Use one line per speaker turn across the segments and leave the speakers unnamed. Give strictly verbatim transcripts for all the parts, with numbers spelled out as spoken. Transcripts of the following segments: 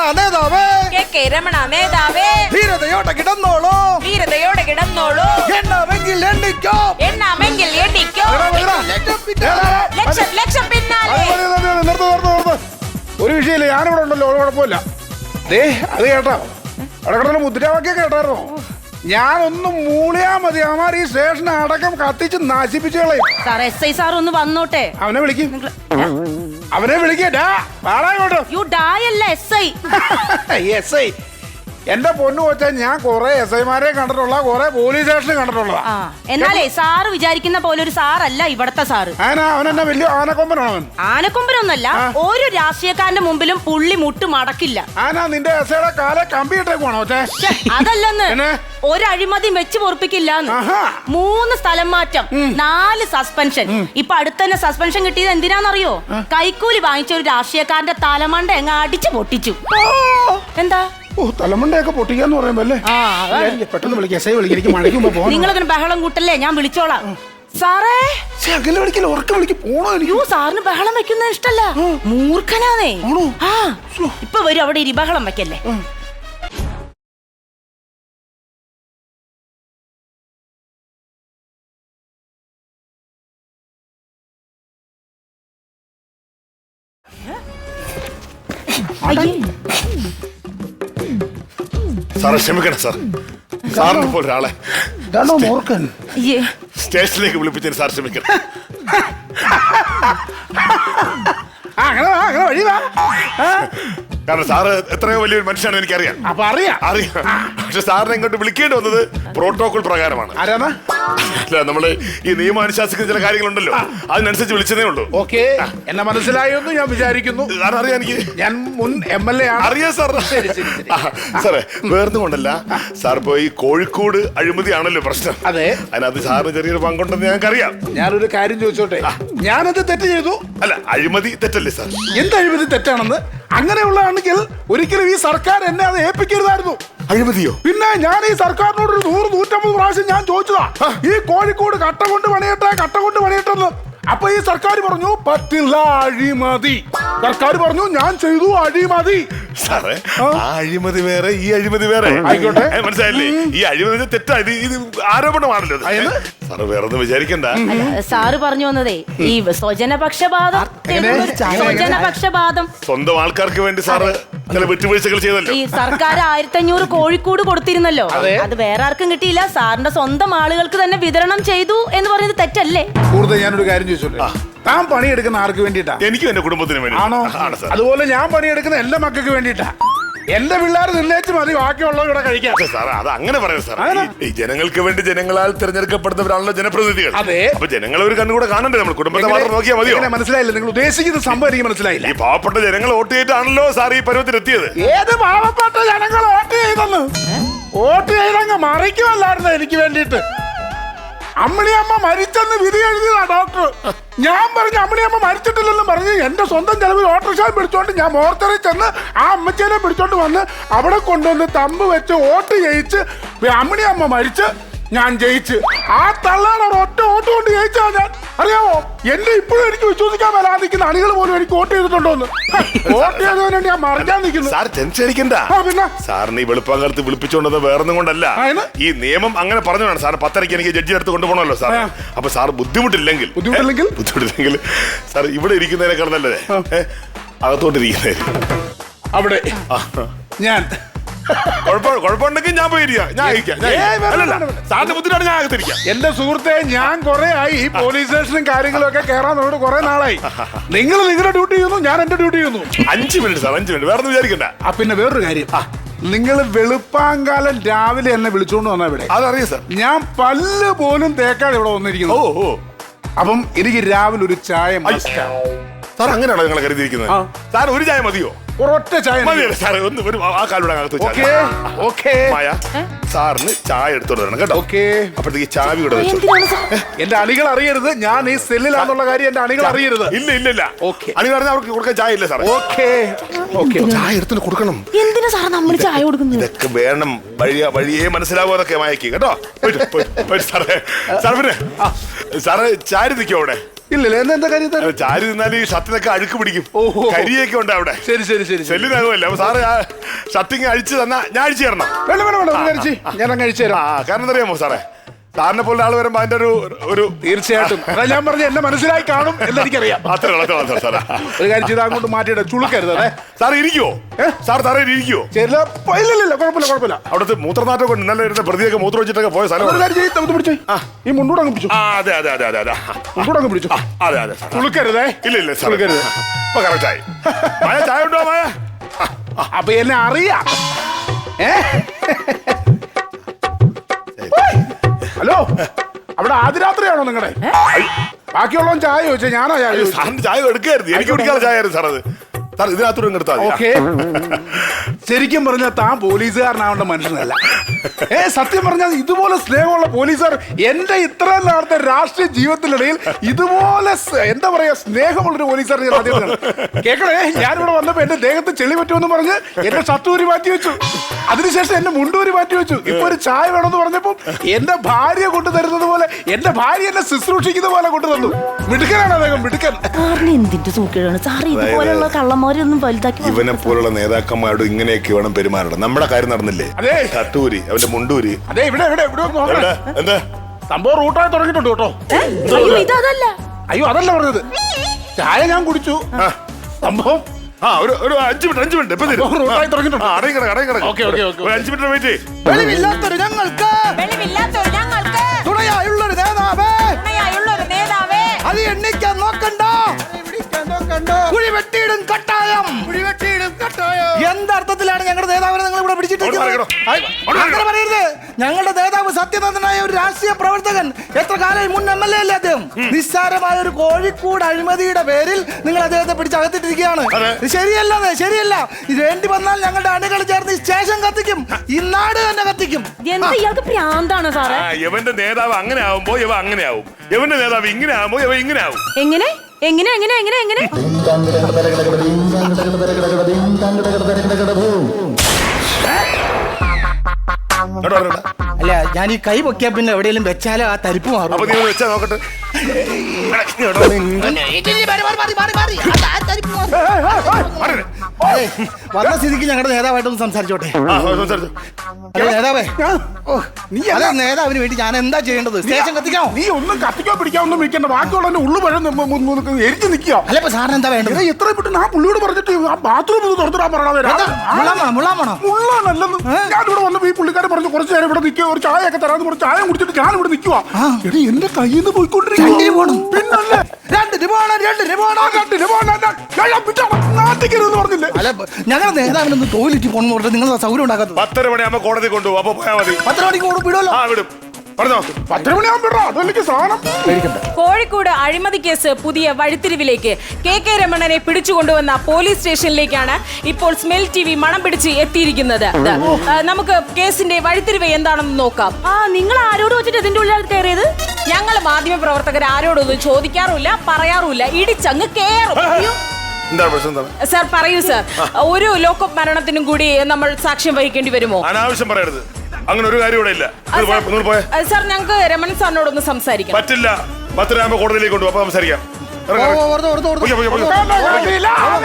രമണ നേതാവേ,
K K Ramana നേതാവേ,
ധീരതയോടെ കിടന്നോളൂ,
ധീരതയോടെ കിടന്നോളൂ.
എണ്ണാമെങ്കിൽ എണ്ണിക്കോ,
എണ്ണാമെങ്കിൽ എണ്ണിക്കോ. ലക്ഷം ലക്ഷം പിന്നാലെ.
ഒരു വിഷയമില്ല, ഞാനിവിടെ ഉണ്ടല്ലോ, കുഴപ്പമില്ല. ദേ അത് കേട്ടോ, അവിടെ കിടന്ന മുദ്രാവാക്യം കേട്ടായിരുന്നോ? ഞാനൊന്നും മൂളിയാ മതി, അവന്മാർ ഈ സ്റ്റേഷൻ അടക്കം കത്തിച്ച് നശിപ്പിച്ചു കളയും.
സാർ എസ് ഐ സാർ ഒന്ന് വന്നോട്ടെ.
അവനെ വിളിക്കും, അവനെ വിളിക്കട്ടാ.
യു ഡായല്ല എസ് ഐ.
എസ് ഐ എന്റെ പൊന്നു വെച്ചാ ഞാൻ കൊറേ എസ് ഐമാരെ കണ്ടിട്ടുള്ള, കൊറേ പോലീസ് സ്റ്റേഷനിൽ കണ്ടിട്ടുള്ളതാ.
എന്നാലേ സാറ് വിചാരിക്കുന്ന പോലെ ഒരു സാറല്ല ഇവിടത്തെ സാറ്.
അവനെന്നെ വലിയ ആനക്കൊമ്പനാണ് അവൻ.
ആനക്കൊമ്പനൊന്നല്ല, ഒരു രാഷ്ട്രീയക്കാരന്റെ മുമ്പിലും പുള്ളി മുട്ട് മടക്കില്ല.
ആനാ നിന്റെ എസ് ഐയുടെ കാലെ കമ്പി ഇട്ടേക്കുവാണോ?
അതല്ലെന്ന്, ഒരു അഴിമതി വെച്ച് പൊറപ്പിക്കില്ല. മൂന്ന് സ്ഥലം മാറ്റം, നാല് സസ്പെൻഷൻ. ഇപ്പൊ അടുത്തന്നെ സസ്പെൻഷൻ കിട്ടിയത് എന്തിനാന്നറിയോ? കൈക്കൂലി വാങ്ങിച്ച ഒരു രാഷ്ട്രീയക്കാരന്റെ തലമണ്ട എങ്ങ അടിച്ചു പൊട്ടിച്ചു. എന്താ
ഓ, തലമണ്ടയൊക്കെ പൊട്ടിക്കാന്ന് പറയുമ്പോ അല്ലേ? പെട്ടെന്ന് വിളിക്കാം, എസ് ഐ വിളിക്കാം, എനിക്ക് മഴയ്ക്കുമ്പോ പോകാം.
നിങ്ങളതിന് ബഹളം കൂട്ടല്ലേ, ഞാൻ വിളിച്ചോളാം. സാറേ
അകലെ വിളിക്കല, ഉറക്കം വിളിക്ക്, പോണോ? എനിക്ക്
സാറിന് ബഹളം വെക്കുന്നത് ഇഷ്ടല്ല, മൂർഖനാന്നേ. ആ ഇപ്പൊ വരും, അവിടെ ഇരി, ബഹളം വെക്കല്ലേ.
സാറെ ക്ഷമിക്കണം സാർ, സാറിനെ പോലെ ഒരാളെ സ്റ്റേഷനിലേക്ക് വിളിപ്പിച്ചതിന് സാർ ക്ഷമിക്കണം. കാരണം സാറ് എത്രയോ വലിയൊരു മനുഷ്യനാണ് എനിക്കറിയാം.
അപ്പൊ അറിയാം
അറിയാം പക്ഷെ സാറിനെ ഇങ്ങോട്ട് വിളിക്കേണ്ടി വന്നത് പ്രോട്ടോകോൾ പ്രകാരമാണ്. അല്ല, നമ്മള് ഈ നിയമം അനുശാസിക്കുന്ന ചില കാര്യങ്ങളുണ്ടല്ലോ, അതിനനുസരിച്ച് വിളിച്ചതേ ഉള്ളൂ.
ഓക്കെ, എന്നെ മനസ്സിലായെന്ന് ഞാൻ വിചാരിക്കുന്നു.
സാർ അറിയാം, എനിക്ക്
ഞാൻ മുൻ എം എൽ എ ആണ്.
അറിയാം സാർ. സാറേ വേർന്നും കൊണ്ടല്ല സാർ, ഇപ്പൊ ഈ കോഴിക്കോട് അഴിമതി ആണല്ലോ പ്രശ്നം.
അതെ,
അതിനകത്ത് സാറിന് ചെറിയൊരു പങ്കുണ്ടെന്ന് ഞങ്ങൾക്കറിയാം.
ഞാനൊരു കാര്യം ചോദിച്ചോട്ടെ, ഞാനത് തെറ്റ് ചെയ്തു.
അല്ല, അഴിമതി തെറ്റല്ലേ സാർ?
എന്ത് അഴിമതി തെറ്റാണെന്ന്? അങ്ങനെയുള്ളതാണെങ്കിൽ ഒരിക്കലും ഈ സർക്കാർ എന്നെ അത് ഏൽപ്പിക്കരുതായിരുന്നു.
അഴിമതിയോ? പിന്നെ
ഞാൻ ഈ സർക്കാരിനോട് ഒരു നൂറ് നൂറ്റമ്പത് പ്രാവശ്യം ഞാൻ ചോദിച്ചതാ, ഈ കോഴിക്കോട് കട്ട കൊണ്ട് പണിയട്ടെ, കട്ട കൊണ്ട് പണിയട്ടെന്ന്. അപ്പൊ ഈ സർക്കാർ പറഞ്ഞു പറ്റില്ല, അഴിമതി. സർക്കാർ പറഞ്ഞു ഞാൻ ചെയ്തു അഴിമതി.
സാറേ, ആ അഴിമതി വേറെ, ഈ അഴിമതി വേറെ.
ആയിക്കോട്ടെ,
മനസ്സിലായില്ലേ? ഈ അഴിമതി തെറ്റാ, ഇത് ഇത് ആരോപണമാണല്ലോ. സാറ് വേറെ ഒന്നും വിചാരിക്കണ്ട.
സാറ് പറഞ്ഞു വന്നതേ ഈ സ്വജനപക്ഷപാതം. സ്വജനപക്ഷപാതം
സ്വന്തം ആൾക്കാർക്ക് വേണ്ടി സാറ് ചില വിട്ടുവീഴ്ചകൾ ചെയ്തല്ലോ.
ഈ സർക്കാർ ആയിരത്തി അഞ്ഞൂറ് കോഴിക്കോട് കൊടുത്തിരുന്നല്ലോ, അത് വേറെ ആർക്കും കിട്ടിയില്ല, സാറിന്റെ സ്വന്തം ആളുകൾക്ക് തന്നെ വിതരണം ചെയ്തു എന്ന് പറയുന്നത് തെറ്റല്ലേ?
കൂടുതൽ ഞാനൊരു കാര്യം ചോദിച്ചോട്ടെ, താൻ പണിയെടുക്കുന്ന ആർക്ക് വേണ്ടിട്ടാ?
എനിക്കും എന്റെ കുടുംബത്തിന് വേണ്ടി.
ആണോ? അതുപോലെ ഞാൻ പണിയെടുക്കുന്ന എന്റെ മക്കൾക്ക് വേണ്ടിട്ടാ. എന്റെ പിള്ളേർ നിന്നേച്ച് മതി, ബാക്കിയുള്ളത് ഇവിടെ കഴിക്കാം.
സാർ അത് അങ്ങനെ പറയാം സാർ. ഈ ജനങ്ങൾക്ക് വേണ്ടി ജനങ്ങളാൽ തിരഞ്ഞെടുക്കപ്പെടുന്നവരാണല്ലോ ജനപ്രതിനിധികൾ.
അതെ,
അപ്പൊ ജനങ്ങൾ ഒരു കണ്ണുകൂടെ കാണണ്ടേ? നമ്മൾ കുടുംബത്തെ മാത്രം നോക്കിയാൽ മതിയോ?
മനസ്സിലായില്ല, നിങ്ങൾ ഉദ്ദേശിക്കുന്ന സംഭവം എനിക്ക് മനസ്സിലായില്ല.
ഈ പാവപ്പെട്ട ജനങ്ങൾ വോട്ട് ചെയ്തിട്ടാണല്ലോ സാർ ഈ പരുവത്തിലെത്തിയത്.
ഏത് പാവപ്പെട്ട ജനങ്ങൾ വോട്ട് ചെയ്തെന്ന്? വോട്ട് ചെയ്തങ്ങ് മറിക്കുമല്ലായിരുന്നു എനിക്ക് വേണ്ടിയിട്ട്. അമ്മിണിയമ്മ മരിച്ചെന്ന് വിധി എഴുതിയതാ ഡോക്ടർ. ഞാൻ പറഞ്ഞു അമ്മിണിയമ്മ മരിച്ചിട്ടില്ലെന്ന് പറഞ്ഞ് എന്റെ സ്വന്തം ചെലവിൽ ഓട്ടോറിക്ഷ പിടിച്ചോണ്ട് ഞാൻ മോർച്ചറിൽ ചെന്ന് ആ അമ്മച്ചേനെ പിടിച്ചോണ്ട് വന്ന് അവിടെ കൊണ്ടുവന്ന് തമ്പ് വെച്ച് വോട്ട് ചെയ്യിച്ച് അമ്മിണിയമ്മ മരിച്ച് ഞാൻ ജയിച്ച് ആ തള്ളാണ് ഒറ്റ വോട്ട് കൊണ്ട് ജയിച്ചാ ഞാൻ. അറിയാമോ, എന്റെ ഇപ്പോഴും എനിക്ക് വിശ്വസിക്കാൻ വരാതിരിക്കുന്ന അണികൾ പോലും എനിക്ക് വോട്ട് ചെയ്തിട്ടുണ്ടോന്ന്. വോട്ട് ചെയ്തതിന് വേണ്ടി ഞാൻ മറിക്കാൻ നിൽക്കുന്നു.
സാർ ടെൻഷൻ അടിക്കണ്ട. പിന്നെ സാറിന് ഈ വെളുപ്പാങ്കാലത്ത് വിളിപ്പിച്ചുകൊണ്ടത് വേറൊന്നും കൊണ്ടല്ല, ഈ നിയമം അങ്ങനെ പറഞ്ഞതാണ്. സാർ പത്തരയ്ക്ക് എനിക്ക് ജഡ്ജി അടുത്ത് കൊണ്ടുപോകണമല്ലോ സാർ. അപ്പൊ സാർ ബുദ്ധിമുട്ടില്ലെങ്കിൽ
ബുദ്ധിമുട്ടില്ലെങ്കിൽ
ബുദ്ധിമുട്ടില്ലെങ്കിൽ സാർ ഇവിടെ ഇരിക്കുന്നതിനേക്കാൾ നല്ലതേ അകത്തോട്ടിരിക്കുന്നേ.
അവിടെ ഞാൻ
കുഴപ്പമുണ്ടെങ്കിൽ ഞാൻ പോയിരിക്കാം, ഞാൻ സാറിന്റെ ബുദ്ധിമുട്ടാണ് ഞാൻ അകത്തിരിക്കാം.
എന്റെ സുഹൃത്തെ, ഞാൻ കുറെ ആയി ഈ പോലീസ് സ്റ്റേഷനും കാര്യങ്ങളും ഒക്കെ കയറാൻ നോട്ട് കുറെ നാളായി. നിങ്ങൾ നിങ്ങളുടെ ഡ്യൂട്ടി ചെയ്യുന്നു, ഞാൻ എന്റെ ഡ്യൂട്ടി ചെയ്യുന്നു.
അഞ്ചു മിനിറ്റ് സാർ, അഞ്ചു മിനിറ്റ്, വേറെ വിചാരിക്കണ്ട.
ആ പിന്നെ വേറൊരു കാര്യം, നിങ്ങൾ വെളുപ്പാങ്കാലം രാവിലെ എന്നെ വിളിച്ചോണ്ട് വന്നാ ഇവിടെ.
അതറിയാം സാർ.
ഞാൻ പല്ല് പോലും തേക്കാതെ ഇവിടെ വന്നിരിക്കുന്നു.
ഓ ഓ
അപ്പം എനിക്ക് രാവിലെ ഒരു ചായ
സാർ. അങ്ങനെയാണോ നിങ്ങൾ കരുതിയിരിക്കുന്നത്? സാർ ഒരു ചായ മതിയോ?
ഒരൊറ്റ ചായ
മതിയല്ലേ സാറേ? ഒന്ന് ഒരു ആ കാലൂടെ അകത്ത് മായ സാറിന് ചായ എടുത്തോണ്ട് വരണം കേട്ടോ.
ഓക്കെ,
അപ്പോഴത്തേക്ക് ചാവി കൂടെ വെച്ചു.
എന്റെ അണികൾ അറിയരുത് ഞാൻ ഈ സെല്ലിലാന്നുള്ള കാര്യം എന്റെ അണികൾ അറിയരുത്.
ഇല്ല ഇല്ല ഇല്ല, അണികൾ അറിഞ്ഞാൽ അവർക്ക് കൊടുക്കാൻ ചായ ഇല്ല സാറേ.
ഓക്കെ ഓക്കെ,
ചായ എടുത്തിട്ട് കൊടുക്കണം.
എന്തിനാ സാർ നമ്മൾ ചായ കൊടുക്കുന്നത്?
ഇതൊക്കെ വേണം, വഴിയ വഴിയേ മനസ്സിലാവും അതൊക്കെ മായക്ക് കേട്ടോ. സാറേ സാറേ പിന്നെ സാറ് ചാരി നിൽക്കോ അവിടെ?
ഇല്ലല്ലേ എന്താ എന്താ കാര്യം
അല്ല, ചാരി നിന്നാൽ ഈ ഷർട്ടിനൊക്കെ അഴുക്ക് പിടിക്കും.
ഓഹോ.
കരിയൊക്കെ ഉണ്ട് അവിടെ.
ശരി ശരി ശരി ശരി.
സെല്ലിനാകുമല്ലോ. അപ്പൊ സാറ് ആ ഷർട്ടിങ് അഴിച്ചു തന്നാ ഞാൻ അഴിച്ചു തരണം.
വേണ്ട വേണ്ട വേണ്ട ഒരു കഴിച്ച് ഞാൻ അങ്ങ് കഴിച്ചു
ആ
തരാം.
കാരണം എന്താ അറിയാമോ സാറേ, സാറിനെ പോലെ ആൾ വരുമ്പോ അതിന്റെ ഒരു ഒരു
തീർച്ചയായിട്ടും അതാ ഞാൻ പറഞ്ഞ എന്നെ മനസ്സിലായി കാണും എന്നെനിക്കറിയാം.
അത്ര അത്ര സാറേ.
ഒരു കാര്യം ചെയ്ത് അങ്ങോട്ട് മാറ്റിയിട ചുളുക്കരുത് അതെ.
സാർ ഇരിക്കുവോ? സാർ സാറേ ഇരിക്കുവോ?
ചിലപ്പോ ഇല്ലില്ല കുഴപ്പമില്ല കുഴപ്പമില്ല.
അവിടുത്തെ മൂത്രനാട്ടൊക്കെ ഉണ്ട്. ഇന്നലെ ഇരുന്ന പ്രതിയൊക്കെ മൂത്രം വെച്ചിട്ടൊക്കെ പോയ സ്ഥലം.
ഒരു കാര്യം ചെയ്ത് നമുക്ക് പിടിച്ചേ ഈ മുണ്ടൂടെ അങ്ങ് പിടിച്ചു.
ആ അതെ അതെ അതെ അതെ അതെ
മുണ്ടൂടെ അങ്ങ് പിടിച്ചു.
അതെ അതെ സാർ.
ചുളുക്കരുതേ.
ഇല്ല ഇല്ല സാർ
ചുളുക്കരുത്.
ഇപ്പൊ കറക്റ്റായി. മായ ചായ ഉണ്ടോ മായ?
അപ്പൊ എന്നെ അറിയാം. ഏ ഹലോ അവിടെ ആദ്യരാത്രിയാണോ നിങ്ങളുടെ? ബാക്കിയുള്ളവൻ ചായ ചോദിച്ചാ ഞാനാ ചായ ചോദിച്ചു.
സാറിന് ചായ എടുക്കായിരുന്നു. എനിക്ക് കുടിക്കാതെ ചായ ആയിരുന്നു സാർ. അത് സാർ ഇതിനകത്തൂടെ എടുത്താൽ
ഓക്കെ. ശരിക്കും പറഞ്ഞാൽ താൻ പോലീസുകാരനാവേണ്ട മനുഷ്യനല്ല. ഏ സത്യം പറഞ്ഞാൽ ഇതുപോലെ സ്നേഹമുള്ള പോലീസുകാർ എന്റെ ഇത്രയും നാളത്തെ രാഷ്ട്രീയ ജീവിതത്തിനിടയിൽ ഇതുപോലെ സ്- എന്താ പറയാ സ്നേഹമുള്ളൊരു പോലീസുകാരൻ ഞാൻ ആദ്യം കാണുന്നു. കേക്കണേ, ഞാനിവിടെ വന്നപ്പോ എന്റെ ദേഹത്ത് ചെളി പറ്റുമെന്ന് പറഞ്ഞ് എന്റെ ഷർട്ടൂരി മാറ്റി വെച്ചു. അതിനുശേഷം എന്റെ മുണ്ടൂരി മാറ്റി വെച്ചു. ഇപ്പൊ ഒരു ചായ വേണമെന്ന് പറഞ്ഞപ്പോ എന്റെ ഭാര്യ കൊണ്ടു തരുന്നത് പോലെ എന്റെ ഭാര്യ എന്നെ ശുശ്രൂഷിക്കുന്ന പോലെ കൊണ്ടു തന്നു. മിടുക്കനാണ് അദ്ദേഹം, മിടുക്കൻ.
സാറിന് എന്തിന്റെ സൂക്കേടാണ് സാറ് ഇതുപോലെയുള്ള കള്ളന്മാരൊന്നും വലുതാക്കി
ഇവനെ പോലുള്ള നേതാക്കന്മാരോട് ഇങ്ങനെയൊക്കെ വേണം പെരുമാറണം. നമ്മുടെ കാര്യം നടന്നില്ലേ?
അതെ.
ഷട്ടൂരി അവന്റെ മുണ്ടൂരി.
അതെ ഇവിടെ ഇവിടെ ഇവിടെ ഒന്ന് നോക്കണേ.
എവിടെ? എന്താ
സംഭവം റൂട്ടായി തുടങ്ങിയിട്ടുണ്ട് കേട്ടോ.
അയ്യോ ഇതല്ല.
അയ്യോ അതല്ല പറഞ്ഞത്. ചായ ഞാൻ കുടിച്ചു. സംഭവം
ആ ഒരു ഒരു അഞ്ചു മിനിറ്റ് അഞ്ചു മിനിറ്റ് ഇപ്പൊ തരും.
സംഭവം റൂട്ടായി തുടങ്ങിയിട്ടുണ്ട്.
ആ, അടങ്ങി കിടക്ക്, അടങ്ങി കിടക്ക്.
Okay, okay, okay.
ഒരു അഞ്ചു മിനിറ്റ് വെയിറ്റ്.
വെളിവില്ലാത്തൊരു ഞങ്ങൾക്ക്
വെളിവില്ലാത്തൊരു ഞങ്ങൾക്ക്
തുണയായുള്ളൊരു നേതാവേ,
തുണയായുള്ളൊരു നേതാവേ,
അത് എണ്ണിക്കാൻ നോക്കണ്ട. കുഴി വെട്ടിയിടും കട്ടായം, കുഴി വെട്ടിയിടും കട്ടായം. എന്തർത്ഥത്തിലാണ് ഞങ്ങളുടെ നേതാവിനെ നിങ്ങൾ ഇവിടെ പിടിച്ചിട്ടിരിക്കുന്നത്? അങ്ങനെ പറയരുത്. ഞങ്ങളുടെ നേതാവ് സത്യനന്ദനായ ഒരു രാഷ്ട്രീയ പ്രവർത്തകൻ. എത്ര കാലം മുൻ എം എൽ എ അല്ലേ അദ്ദേഹം? നിസ്സാരമായ ഒരു കോഴിക്കോട് അഴിമതിയുടെ പേരിൽ നിങ്ങൾ അദ്ദേഹത്തെ പിടിച്ചകത്തിട്ടിരിക്കുകയാണ്. ഇത് ശരിയല്ല, ശരിയല്ല. ഇത് വേണ്ടി വന്നാൽ ഞങ്ങളുടെ അണികൾ ചേർന്ന് ഈ സ്റ്റേഷൻ കത്തിക്കും, ഈ നാട് തന്നെ കത്തിക്കും.
എന്താ ഇയാൾക്ക് പ്രാന്താണ് സാറേ?
ആ, ഇവന്റെ നേതാവ് അങ്ങനെ ആവുമ്പോ ഇവ അങ്ങനെ ആവും. ഇവന്റെ നേതാവ് ഇങ്ങനെ ആവുമ്പോ ഇവ ഇങ്ങനെ ആവും.
എങ്ങനെ എങ്ങനെ എങ്ങനെ എങ്ങനെ എങ്ങനെ
കേട്ടോ, കേട്ടോ.
അല്ല, ഞാൻ ഈ കൈ പൊക്കിയാ പിന്നെ എവിടെയെങ്കിലും വെച്ചാലോ ആ തരിപ്പ് മാറും.
അപ്പൊ നീ ഒന്ന് വെച്ചാ നോക്കട്ടെ. മാറിയില്ലേ?
ഏയ്, വന്ന സ്ഥിതിക്ക് ഞങ്ങളുടെ നേതാവായിട്ടൊന്ന് സംസാരിച്ചോട്ടെ.
ആ, സംസാരിച്ചോ.
അല്ല നേതാവേ, ഓ,
നീ
അല്ല നേതാവിന് വേണ്ടി ഞാൻ എന്താ ചെയ്യേണ്ടത്? സ്റ്റേഷൻ കത്തിക്കാമോ?
നീ ഒന്നും കത്തിക്കാൻ പിടിക്കാൻ ഒന്നും വിൽക്കണ്ട. ബാക്കിയുള്ള ഉള്ളു പഴം എരിഞ്ഞു നിൽക്കുക.
അല്ല ഇപ്പൊ സാറിന് എന്താ വേണ്ടത്?
എത്ര പെട്ടെന്ന് ആ പുള്ളിയോട് പറഞ്ഞിട്ട് ആ ബാത്റൂം ഒന്ന് തുറന്നിടാൻ പറയണത്.
മുള്ളാമണോ മുള്ളാമണോ?
മുള്ളാനല്ലെന്ന് ഞാനിവിടെ വന്നപ്പോ ഈ പുള്ളിക്കാരൻ പറഞ്ഞു കുറച്ച് നേരം ഇവിടെ നിൽക്കുക, ഒരു ചായ ഒക്കെ തരാന്ന് പറഞ്ഞ് ചായ കുടിച്ചിട്ട് ഞാൻ ഇവിടെ നിൽക്കുക. എടി എന്റെ കയ്യിൽ നിന്ന് പോയിക്കൊണ്ടിരിക്കുന്നു. പിന്നല്ലേ
രണ്ടിന് പോണം, രണ്ടിന് പോണം.
രണ്ടിന് പോകണ്ട. നാട്ടിക്കരുതെന്ന് പറഞ്ഞില്ലേ?
അല്ല ഞങ്ങളുടെ നേതാവിനൊന്ന് ടോയ്ലറ്റ് പോകണമെന്ന് പറഞ്ഞിട്ട് നിങ്ങൾ സൗകര്യം ഉണ്ടാക്കാത്തത്.
പത്തര മണിയാകുമ്പോ കോടതി കൊണ്ടുപോകും. അപ്പൊ പോയാ മതി.
പത്ത് മണിക്ക് കൂടെ വിടുമല്ലോ.
ആ വിടും. പറഞ്ഞോ.
പത്തര മണിയാകുമ്പോ അതെനിക്ക് സാധനം കഴിക്കണ്ട.
കോഴിക്കോട് അഴിമതി കേസ് പുതിയ വഴിത്തിരിവിലേക്ക്. കെ കെ രമണനെ പിടിച്ചുകൊണ്ടുവന്ന പോലീസ് സ്റ്റേഷനിലേക്കാണ് ഇപ്പോൾ സ്മെൽ ടി വി മണം പിടിച്ച് എത്തിയിരിക്കുന്നത്. ആ, നമുക്ക് കേസിന്റെ വഴിത്തിരിവ് എന്താണെന്ന് നോക്കാം.
ആ നിങ്ങൾ ആരോട് വെച്ചിട്ട് ഇതിന്റെ ഉള്ളിൽ കയറിയത്?
ഞങ്ങൾ മാധ്യമ പ്രവർത്തകർ ആരോടൊന്നും ചോദിക്കാറില്ല, പറയാറുമില്ല, ഇടിച്ചങ്ങ് കേറും.
എന്താണ് പ്രശ്നം? എന്താണ്?
സാർ പറയൂ സാർ, ഒരു ലോക്കപ്പ് മരണത്തിനും കൂടി നമ്മൾ സാക്ഷ്യം വഹിക്കേണ്ടി വരുമോ?
അനാവശ്യം പറയരുത്. അങ്ങനെ ഒരു കാര്യം ഇവിടെ ഇല്ല. നിങ്ങൾ പോയ- നിങ്ങൾ പോയെ.
ആ, സാർ ഞങ്ങൾക്ക് രമണൻ സാറിനോടൊന്ന് സംസാരിക്കാം.
പറ്റില്ല. പത്തരയാകുമ്പോ കോടതിയിലേക്ക് കൊണ്ടുപോകും. അപ്പൊ സംസാരിക്കാം.
ഓ,
ഇറങ്ങ്, ഇറങ്ങ്.
ഓർത്ത്, ഓർത്ത്, ഓർത്ത്.
പൊയ്ക്കോ, പൊയ്ക്കോ, പൊയ്ക്കോ.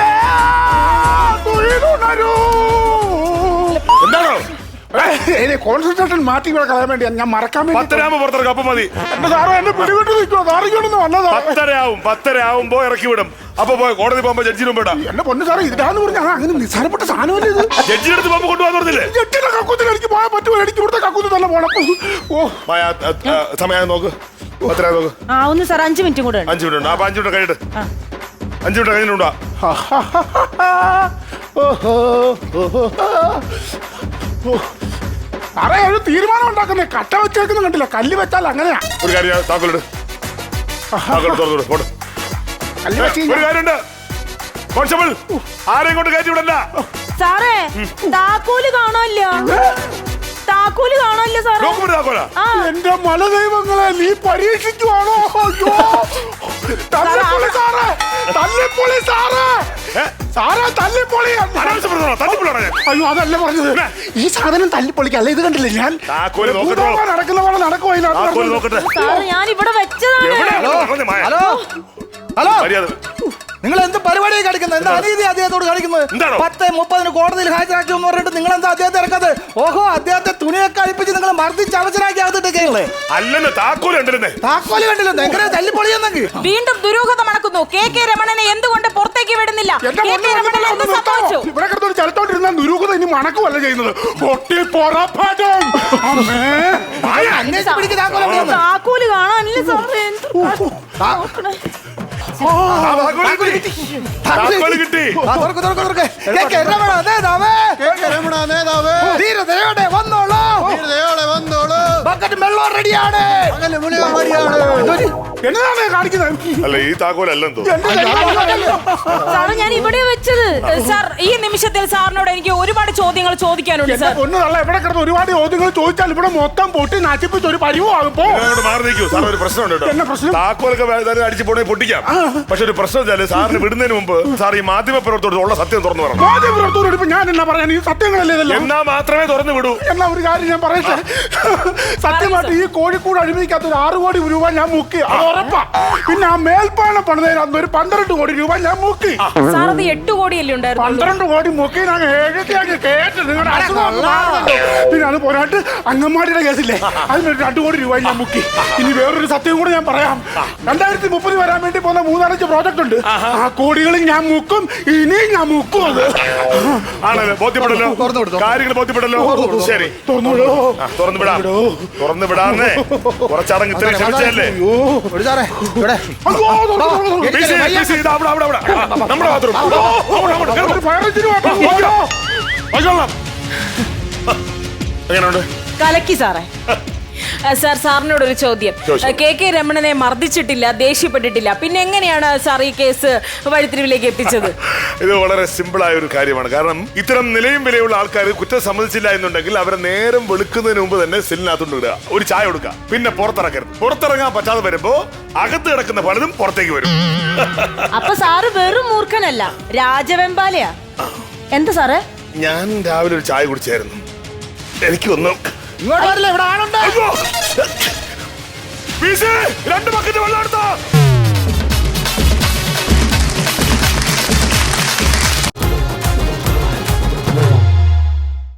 എന്താണോ?
കോൺസെൻട്രേഷൻ മാറ്റി ഇവിടെ കളയാൻ വേണ്ടി ഞാൻ മറക്കാൻ വേണ്ടി.
പത്തരയാകുമ്പോ പുറത്തിറക്കും. അപ്പൊ മതി.
എന്റെ സാറോ എന്നെ പിടിവിട്ട് നിൽക്കുമോ? സാറിക്കൊണ്ടൊന്നും വന്നതാ.
പത്തരയാവും. പത്തരയാവുമ്പോ ഇറക്കി വിടും. അപ്പൊ പോയി കോടതി പോകുമ്പോ ജഡ്ജിന് മുമ്പ് ഇടാം.
എന്റെ പൊന്നു സാറേ ഇതാന്ന് പറഞ്ഞാൽ അങ്ങനെ നിസ്സാരപ്പെട്ട സാധനമല്ലേ ഇത്?
ജഡ്ജിന്റെ അടുത്ത് പോകുമ്പോ കൊണ്ടുപോകാന്ന് പറഞ്ഞില്ലേ?
ജഡ്ജിയുടെ കക്കൂത്തിൽ എനിക്ക് പോയാൽ പറ്റുമോ? എനിക്ക് ഇവിടുത്തെ കക്കൂത്തിൽ തന്നെ പോണം. ഓ
മായ, ആ, ആ, സമയം നോക്ക്. പത്തര നോക്ക്.
ആ ഒന്ന് സാർ അഞ്ചു മിനിറ്റും കൂടെ ഉണ്ട്.
അഞ്ചു മിനിറ്റ് ഉണ്ട്. അപ്പൊ അഞ്ചു മിനിറ്റ് കഴിഞ്ഞിട്ട് അഞ്ചു മിനിറ്റ് കഴിഞ്ഞിട്ടുണ്ടോ?
സാറേ ഒരു തീരുമാനം ഉണ്ടാക്കുന്നേ. കട്ട വെച്ചേക്കുന്ന കണ്ടില്ല, കല്ല് വെച്ചാൽ അങ്ങനെയാ.
ഒരു കാര്യം താക്കോലിട്. താക്കോൽ തുറന്നു പോട്ടെ.
കല്ല് വെച്ച്
ഒരു കാര്യമുണ്ട്. കോൺസ്റ്റബിൾ ആരെയും കൊണ്ട് കയറ്റി വിടല്ല.
സാറേ താക്കോല് കാണാനില്ല. താക്കോല് കാണാനില്ല സാറേ.
ഡോക്യുമെന്റ് താക്കോലാ?
ആ.
എന്റെ മലദൈവങ്ങളെ നീ പരീക്ഷിക്കുവാണോ? അയ്യോ തല്ലിപ്പൊളി സാറേ, തല്ലിപ്പൊളി സാറേ, സാറേ തല്ലിപ്പൊളി.
അനാവശ്യപ്പെടുന്നതാണോ? തല്ലിപ്പൊളിയാണോ ഞാൻ?
അയ്യോ അതല്ല പറഞ്ഞത്, ഈ സാധനം തല്ലിപ്പൊളിക്കല്ല. ഇത് കണ്ടില്ലേ ഞാൻ
താക്കോല് നോക്കട്ടെ.
ഭൂതോളം നടക്കുന്ന പോലെ നടക്കുവാ
താക്കോല്
ഇതിനകത്ത്.
നോക്കട്ടെ.
സാറ് ഞാൻ ഇവിടെ വെച്ചതാണ്.
എവിടെയാണ് പറഞ്ഞത് മായ?
ഹലോ ഹലോ,
മര്യാദ.
നിങ്ങൾ എന്ത് പരിപാടിയാണ് കാണിക്കുന്നത്? എന്താ അനീതി അദ്ദേഹത്തോട് കാണിക്കുന്നത്?
എന്താണോ?
പത്ത് മുപ്പതിന് കോടതിയിൽ ഹാജരാക്കി എന്ന് പറഞ്ഞിട്ട് നിങ്ങൾ എന്താ അദ്ദേഹത്തെ ഇറക്കാതെ? ഓഹോ, അദ്ദേഹത്തെ തുണിയൊക്കെ അഴിപ്പിച്ച് നിങ്ങൾ മർദ്ദിച്ച് അവസരാക്കി അകത്തിട്ടേക്കല്ലേ?
അല്ലെന്ന് താക്കോല് കണ്ടിരുന്നേ.
താക്കോല് കണ്ടില്ല, എങ്ങനെ തല്ലിപ്പൊളിയെന്നെങ്കിൽ.
വീണ്ടും ദുരൂഹത മണക്കുന്നു. കെ കെ രമണനെ എന്തുകൊണ്ട് പുറത്തേക്ക് വിടുന്നില്ല?
എന്റെ
കെ
പൊന്നു
കെ രമണൻ
പെണ്ണുങ്ങളെ
എന്ത്
ഒന്ന് നിർത്താമോ?
സംഭവിച്ചു?
ഇവിടെ കിടന്നോണ്ട് ചലത്തോണ്ടിരുന്ന ദുരൂഹത ഇനി മണക്കുമല്ല ചെയ്യുന്നത്. പൊട്ടി പൊറപ്പാടും. അമ്മേ.
അന്വേഷിച്ച് പിടിക്ക് താക്കോല് എവിടെയെന്ന്.
താക്കോല് കാണാനില്ല സാറേ. എന്ത് നോക്കണേ.
ആ, താക്കോല് കിട്ടി. താക്കോല് കിട്ടി.
ആ, തുറക്ക്, തുറക്ക്, തുറക്ക്. കെ കെ രമണ നേതാവേ. ധീരതയോടെ വന്നോളൂ. ബക്കറ്റ് വെള്ളം റെഡിയാണ്.
എന്നതാണ് കാണിക്കുന്നത്?
അല്ല ഈ താക്കോലല്ലെന്തോ.
എന്റെ ദൈവമേ.
സാറ് ഞാൻ ഇവിടെ വെച്ചത്.
സാർ ഈ നിമിഷത്തിൽ സാറിനോട് എനിക്ക് ഒരുപാട് ചോദ്യങ്ങൾ ചോദിക്കാനുണ്ട്
എന്റെ
സാർ.
പൊന്നു തള്ള എവിടെ കിടന്ന് ഒരുപാട് ചോദ്യങ്ങൾ ചോദിച്ചാൽ ഇവിടെ മൊത്തം പൊട്ടി നശിപ്പിച്ച് ഒരു പരിവാകും. പോ.
അങ്ങോട്ട് മാറി നിൽക്കൂ. സാർ ഒരു പ്രശ്നമുണ്ട് കേട്ടോ.
എന്നാ പ്രശ്നം?
താക്കോലൊക്കെ വേറെ അടിച്ചു പോണേ പൊട്ടിക്കാം. പക്ഷെ ഒരു പ്രശ്നം വെച്ചാല് സാറിന് വിടുന്നതിന് മുമ്പ് സാർ ഈ മാധ്യമ പ്രവർത്തകരോട് ഉള്ള സത്യം തുറന്നു പറഞ്ഞു.
മാധ്യമപ്രവർത്തകരോട് ഇപ്പൊ ഞാൻ എന്നാ പറയാൻ? ഈ സത്യങ്ങളല്ലേ ഇതെല്ലാം?
എന്നാ മാത്രമേ തുറന്നു വിടൂ.
എന്നാ ഒരു കാര്യം ഞാൻ പറയട്ടെ. സത്യമായിട്ട് ഈ കോഴിക്കോട് അഴിമതിക്കകത്ത് ഒരു ആറ് കോടി രൂപ ഞാൻ മുക്കി, അത് ഉറപ്പാ. പിന്നെ ആ മേൽപ്പാലം പണിതതിന് അന്ന് ഒരു പന്ത്രണ്ട് കോടി രൂപ ഞാൻ മുക്കി.
സാർ അത് എട്ട് കോടിയല്ലേ ഉണ്ടായിരുന്നു?
പന്ത്രണ്ട് കോടി മുക്കി ഞാൻ എഴുതിയാക്കി കേട്ട് നിങ്ങളുടെ അസുഖം ഒന്ന് മാറുന്നുണ്ടോ? പിന്നെ അത് പോരാട്ട് അങ്കമാടിയുടെ കേസില്ലേ, അതിനൊരു രണ്ടു കോടി രൂപ ഞാൻ മുക്കി. ഇനി വേറൊരു സത്യം കൂടെ ഞാൻ പറയാം. രണ്ടായിരത്തി മുപ്പത് വരാൻ വേണ്ടി പോകുന്ന മൂന്നാലഞ്ച് പ്രോജക്ട് ഉണ്ട്. ആ കോടികളിൽ ഞാൻ മുക്കും, ഇനിയും ഞാൻ മുക്കും. അത്
ആണല്ലോ, ബോധ്യപ്പെടല്ലോ.
തുറന്നു വിടും.
കാര്യങ്ങൾ ബോധ്യപ്പെടല്ലോ. ശരി,
തുറന്നോളൂ.
ആ, തുറന്നു വിടാം. തുറന്നു വിടാന്നേ. കുറച്ചടങ്ങ് ഇത്രയും ക്ഷമിച്ചല്ലേ.
ഒരു സാറേ ഇവിടെ.
അയ്യോ, തുറന്നു, തുറന്നു, തുറന്നു.
ബിസി, ബിസി, ഇതാ അവിടെ, അവിടെ, അവിടെ. നമ്മുടെ ബാത്റൂം.
ഒരു ഫയർ എഞ്ചിന് വേണ്ട. അയ്യോ.
എങ്ങനെയുണ്ട്?
കലക്കി സാറേ.
സാർ സാറിനോട് ഒരു ചോദ്യം.
ചോദിച്ചോ.
കെ കെ രമണനെ മർദ്ദിച്ചിട്ടില്ല, ദേഷ്യപ്പെട്ടിട്ടില്ല, പിന്നെ എങ്ങനെയാണ് സാർ ഈ കേസ് വഴിത്തിരിവിലേക്ക് എത്തിച്ചത്?
ഇത് വളരെ സിമ്പിൾ ആയ ഒരു കാര്യമാണ്. കാരണം ഇത്തരം നിലയും വിലയുള്ള ആൾക്കാർ കുറ്റം സമ്മതിച്ചില്ല എന്നുണ്ടെങ്കിൽ അവരെ നേരം വെളുക്കുന്നതിന് മുമ്പ് തന്നെ സെല്ലിനകത്തോണ്ട് ഇടുക, ഒരു ചായ കൊടുക്കുക, പിന്നെ പുറത്തിറക്കരുത്. പുറത്തിറങ്ങാൻ പറ്റാതെ വരുമ്പോ അകത്ത് കിടക്കുന്ന പലതും പുറത്തേക്ക് വരും.
അപ്പൊ സാറ് വെറും മൂർഖനല്ല, രാജവെമ്പാലയാ. എന്താ സാറേ?
ഞാൻ രാവിലെ ഒരു ചായ കുടിച്ചായിരുന്നു. എനിക്കൊന്നും
ഇങ്ങോട്ട് വരില്ല, ഇവിടെ ആളുണ്ട്.
അയ്യോ! ബിസി, രണ്ട് ബക്കറ്റ് വെള്ളം എടുത്തോ.